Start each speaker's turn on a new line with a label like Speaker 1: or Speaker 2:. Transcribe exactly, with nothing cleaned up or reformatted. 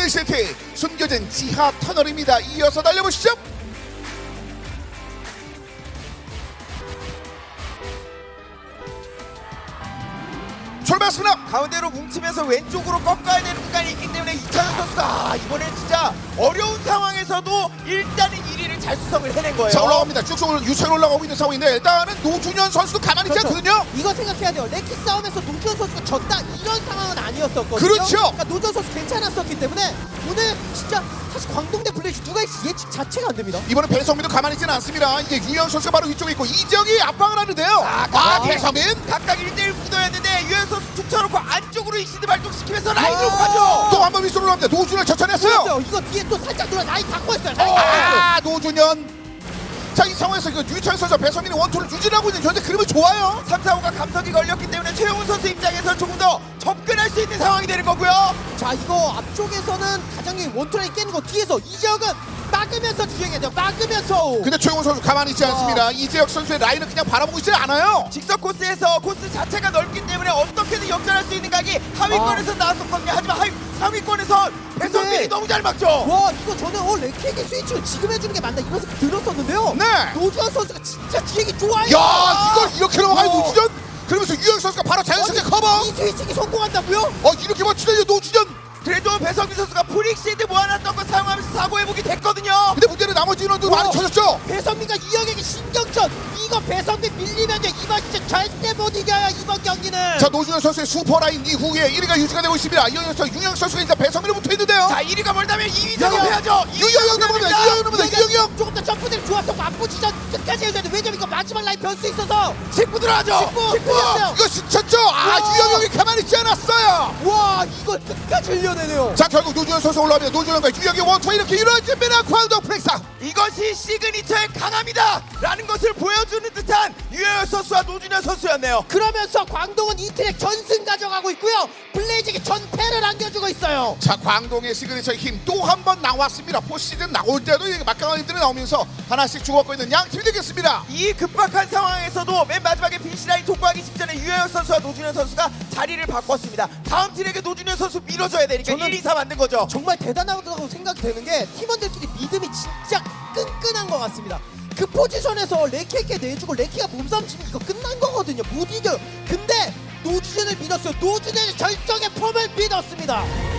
Speaker 1: 엔시티 숨겨진 지하 터널입니다. 이어서 달려보시죠. 출발했습니다.
Speaker 2: 가운데로 뭉치면서 왼쪽으로 꺾어야 되는 구간이 있기 때문에 이찬원 선수가 아, 이번엔 진짜 어려운 상황에서도 일단은 일 위를 잘 수성을 해낸 거예요.
Speaker 1: 자, 올라갑니다. 쭉쭉 유채로 올라가고 있는 상황인데 일단은 노준현 선수도 가만히 있지
Speaker 3: 그렇죠.
Speaker 1: 않거든요.
Speaker 3: 이거 생각해야 돼요. 레키 싸움에서 노준현 선수가 졌다 이런 상황은 아니었었거든요.
Speaker 1: 그렇죠.
Speaker 3: 그러니까 노준현 선수 괜찮았었기 때문에 오늘 진짜 사실 광동대 플래시 누가 있지 예측 자체가 안 됩니다.
Speaker 1: 이번에 배성민도 가만히 있지는 않습니다. 이제 유현 선수가 바로 위쪽에 있고 이적이 압박을 하는데요. 아,
Speaker 2: 아,
Speaker 1: 배성민.
Speaker 2: 각각 일 대일 구도였는데 유현 선수 툭 쳐놓고 안쪽으로 익시드 발동시키면서 라인으로 가죠.
Speaker 1: 또 한 번 위쪽으로 갑니다. 노준현 처천했어요.
Speaker 3: 그렇죠. 이거 뒤에 또 살짝 돌아 라인 바꿔했어요. 라인 바꿔했어요.
Speaker 1: 아, 노준현. 자, 이 상황에서 그 유찬 선수 배성민이 원투를 유지하고 있는 현재 그림이 좋아요.
Speaker 2: 삼, 사, 오가 감석이 걸렸기 때문에 최용훈 선수 입장에서 조금 더 접근할 수 있는 상황이 되는 거고요.
Speaker 3: 자 이거 앞쪽에서는 가장 원투라인 깨는 거 뒤에서 이적은 막으면서 주행해야 돼요. 막으면서.
Speaker 1: 근데 최용훈 선수 가만히 있지 않습니다. 이재혁 선수의 라인을 그냥 바라보고 있지 않아요.
Speaker 2: 직선 코스에서 코스 자체가 넓기 때문에 어떻게든 역전할 수 있는 각이 하위권에서 나왔었거든요. 하지만 하위, 상위권에서 배성민이
Speaker 3: 근데-
Speaker 2: 너무 잘 막죠.
Speaker 3: 와 이거 저는 어 레키에게 스위치를 지금 해주는 게 맞나 이런 생각 들었었는데요.
Speaker 1: 네.
Speaker 3: 노준현 선수가 진짜 기획이 좋아요.
Speaker 1: 야, 이걸 이렇게 넘어가요,
Speaker 3: 어.
Speaker 1: 노준현. 그러면서 유현 선수가 바로 자연스럽게
Speaker 3: 아니,
Speaker 1: 커버.
Speaker 3: 이 스위칭이 성공한다고요?
Speaker 1: 어, 이렇게 맞추네요, 노준현.
Speaker 2: 그래도 배성민 선수가 프릭시드 모아놨던 거 사용하면서 사고해보기 됐거든요.
Speaker 1: 근데 문제는 나머지 인원도
Speaker 3: 어.
Speaker 1: 많이 쳐졌죠.
Speaker 3: 배성민과 이영에게 신경전 이거 배성민 밀리면요 이거 진짜 절대 못 이겨요 이번 경기는.
Speaker 1: 자, 노준현 선수의 슈퍼라인 이후에 일 위가 유지가 되고 있습니다. 이영현 선수, 유영 선수가 이제 배성민을 붙어 있는데요.
Speaker 2: 자, 일 위가 멀다면 이 위
Speaker 3: 야, 야.
Speaker 2: 작업해야죠.
Speaker 1: 유영현 넘어갑니다. 유영현 넘어갑니다. 유영현.
Speaker 3: 조금 더 점프들이 좋았었고 앞부지전 끝까지 해줘야 돼. 왜냐면 이거 마지막 라인 변수 있어서.
Speaker 2: 직구 들어가죠.
Speaker 3: 직구!
Speaker 2: 직구.
Speaker 3: 들어갔어요.
Speaker 1: 이거 진짜죠? 아,
Speaker 3: 와.
Speaker 1: 유영현이 가만히 있지 않았어요.
Speaker 3: 와 이거 끝까지 흘려내네요.
Speaker 1: 자, 결국 노준현 선수 올라옵니다. 노준현과 유영의 원투 이렇게 이루어집니다. 광동 프렉사.
Speaker 2: 이것이 시그니처의 강함이다 라는 것을 보여주는 듯한 유현 선수와 노준현 선수였네요.
Speaker 3: 그러면서 광동은 이 트랙 전승 가져가고 있고요. 블레이즈에게 전패를 안겨주고 있어요.
Speaker 1: 자, 광동의 시그니처의 힘 또 한 번 나왔습니다. 포시즌 나올 때도 이게 막강한들이 나오면서 하나씩 주고받고 있는 양 팀이 되겠습니다.
Speaker 2: 이 급박한 상황에서도 맨 마지막에 빈시라인 통과하기 직전에 유현 선수와 노준현 선수가 자리를 바꿨습니다. 다음 트랙에 노준현 선수 밀어줘야 되니까
Speaker 3: 저는-
Speaker 2: 일, 이, 삼 만든 거죠.
Speaker 3: 정말 대단하다고 생각이 되는 게 팀원들끼리 믿음이 진짜 끈끈한 것 같습니다. 그 포지션에서 레키에게 내주고 레키가 몸싸움 치면 이거 끝난 거거든요. 못 이겨요. 근데 노준현을 믿었어요. 노준현의 절정의 폼을 믿었습니다.